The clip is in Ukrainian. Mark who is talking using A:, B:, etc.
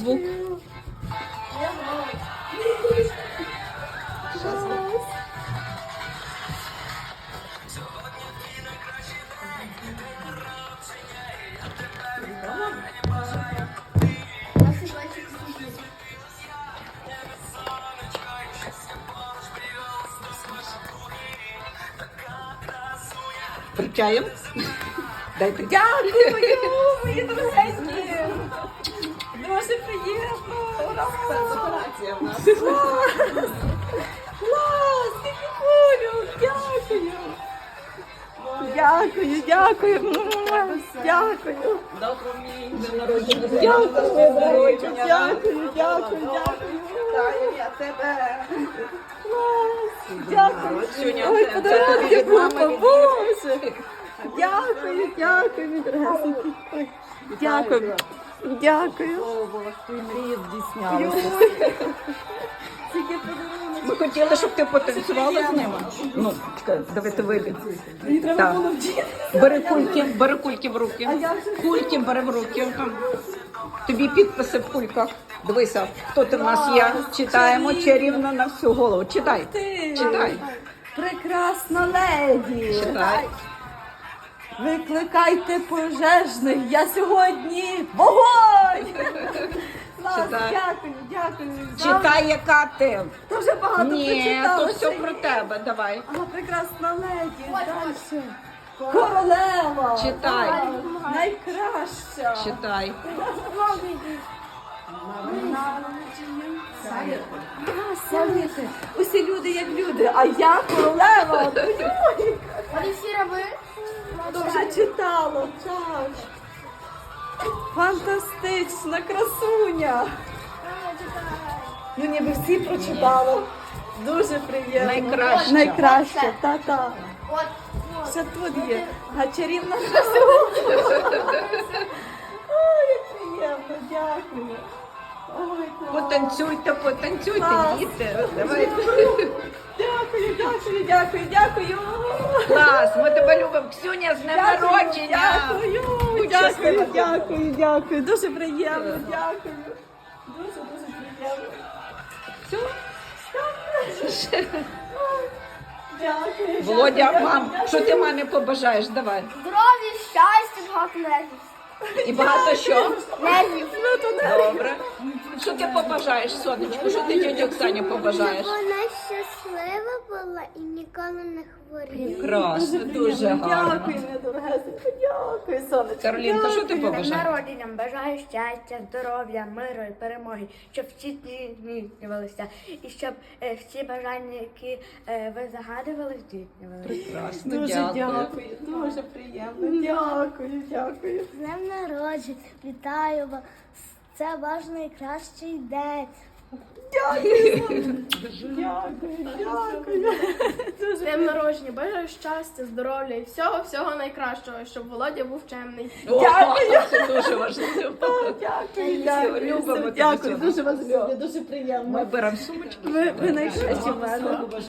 A: звук. Причаєм? Дайте.
B: Дякую, мої дорогенькі. Дуже приємно. Ура!
A: Операція в нас.
B: Клас, скільки болю. Дякую. Дякую, дякую. Дякую.
A: Доброго дня народження.
B: Дякую, дякую, дякую.
A: Вітаю я тебе.
B: Клас. Дякую.
A: Сюня,
B: Ой,
A: це
B: подарунки
A: тобі від мами,
B: купа,
A: від
B: Боже. Дякую, дякую, мій дорогесенький. Ой, дякую. Дякую.
A: Твої мрії здійснялися.
B: Тільки подарунок.
A: Ми хотіли, щоб ти потанцювала з ними. Ну, чекай, давайте вийди.
B: Мені треба
A: Так.
B: було вдіти.
A: Бери кульки в руки.
B: А я вже-
A: Кульки бери в руки. Там. Тобі підписи в кульках. Дивися, хто ти в нас є. Читаємо чарівно на всю голову. Читай.
B: Ти.
A: Читай.
B: Прекрасна леді.
A: Читай.
B: Викликайте пожежних, я сьогодні вогонь! Клас,
A: Читай.
B: дякую, дякую.
A: Читай, яка ти.
B: Дуже багато
A: Ні,
B: прочитала.
A: то все про тебе. Давай.
B: Ага, прекрасна леді. Дальше. Королева.
A: Читай.
B: Найкраща.
A: Читай.
B: Совіти. Усі люди як люди, а я королева. Ой,
C: Вони всі раби.
B: вже читала, так. Фантастична красуня. Ну ніби всі прочитала. Дуже приємно.
A: Найкраща.
B: Найкраща, та-та.
C: От.
B: Ще тут є. А чарівна красуня. Ой, як приємно, дякую. Ой, клас.
A: Потанцюйте, потанцюйте,
B: Клас.
A: діти. Давай.
B: Дякую, дякую, дякую, дякую.
A: Клас, ми тебе любимо. Ксюня, з днем народження.
B: Дякую,
A: Будь
B: дякую,
A: щаслива.
B: дякую, дякую. Дуже приємно, дякую. Дуже, дуже приємно. Все? Дякую.
A: Володя,
B: дякую,
A: мам,
B: дякую.
A: що ти мамі побажаєш? Давай.
C: Здоров'я, щастя, багато нервів.
A: І багато що?
C: Нервів.
B: Ну, то не.
A: Добре. Що ти побажаєш, сонечку? Що ти тьоті Оксані побажаєш?
D: Вона щаслива була і ніколи не хворіла.
A: Красно, дуже гарно.
B: Дякую, моя дорогесенька, дякую, сонечко.
A: Каролінка, що ти
C: Днем
A: побажаєш?
C: народженням бажаю щастя, здоров'я, миру і перемоги, щоб всі дні здійснювалися. І щоб всі бажання, які ви загадували, здійснювалися.
A: Прекрасно,
B: Дуже
A: дякую.
B: дякую, дуже приємно. Дякую, дякую.
D: З днем народження, вітаю вас. Це ваш найкращий день.
B: Дякую, дякую.
E: З днем народження, бажаю щастя, здоров'я і всього найкращого, щоб Володя був чемний.
A: О, це дуже важливо.
B: Дякую, дякую.
A: любимо тебе,
B: Дякую,
A: сонечко.
B: дуже вас люблю, дуже приємно.
A: Ми беремо сумочки.
B: Ви найкращі в мене.